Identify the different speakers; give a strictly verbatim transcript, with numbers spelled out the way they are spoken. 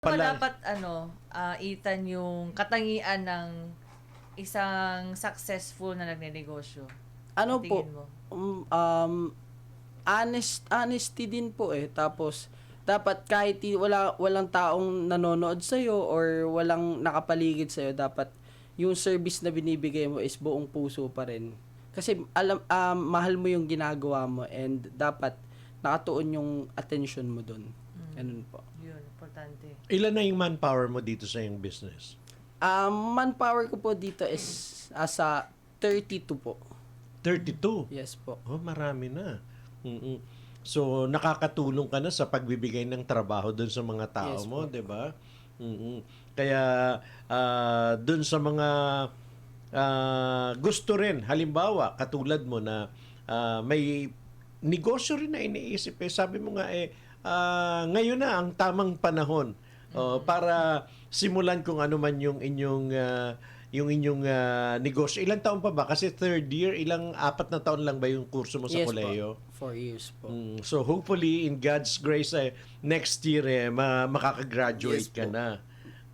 Speaker 1: Ba
Speaker 2: Pala.
Speaker 1: dapat ano, ah, Ethan, yung katangian ng isang successful na nagnenegosyo?
Speaker 3: Ano
Speaker 1: Sa
Speaker 3: po,
Speaker 1: tingin mo?
Speaker 3: um, um, honest, honesty din po eh. Tapos, dapat kahit di- wala, walang taong nanonood sa'yo or walang nakapaligid sa'yo, dapat yung service na binibigay mo is buong puso pa rin. Kasi alam, um, mahal mo yung ginagawa mo and dapat nakatuon yung attention mo dun. Ganun po.
Speaker 1: Yun, importante.
Speaker 2: Ilan na yung manpower mo dito sa iyong business?
Speaker 3: Um, manpower ko po dito is asa thirty-two po.
Speaker 2: thirty-two.
Speaker 3: Yes po.
Speaker 2: Oh, marami na. Mm-mm. So, nakakatulong ka na sa pagbibigay ng trabaho doon sa mga tao
Speaker 3: Yes
Speaker 2: mo,
Speaker 3: po.
Speaker 2: 'di ba? Mm-mm. Kaya ah, doon sa mga ah, gusto rin, halimbawa, katulad mo na ah, may negosyo rin na iniisip eh. Sabi mo nga eh, ah, ngayon na ang tamang panahon oh, para simulan kung ano man yung inyong ah, yung inyong ah, negosyo. Ilang taon pa ba? Kasi third year, ilang apat na taon lang ba yung kurso mo sa
Speaker 3: Yes
Speaker 2: koleyo?
Speaker 3: po. Four years po.
Speaker 2: Mm, so hopefully in God's grace eh, next year eh ma- makakagraduate
Speaker 3: Yes
Speaker 2: ka
Speaker 3: po.
Speaker 2: na.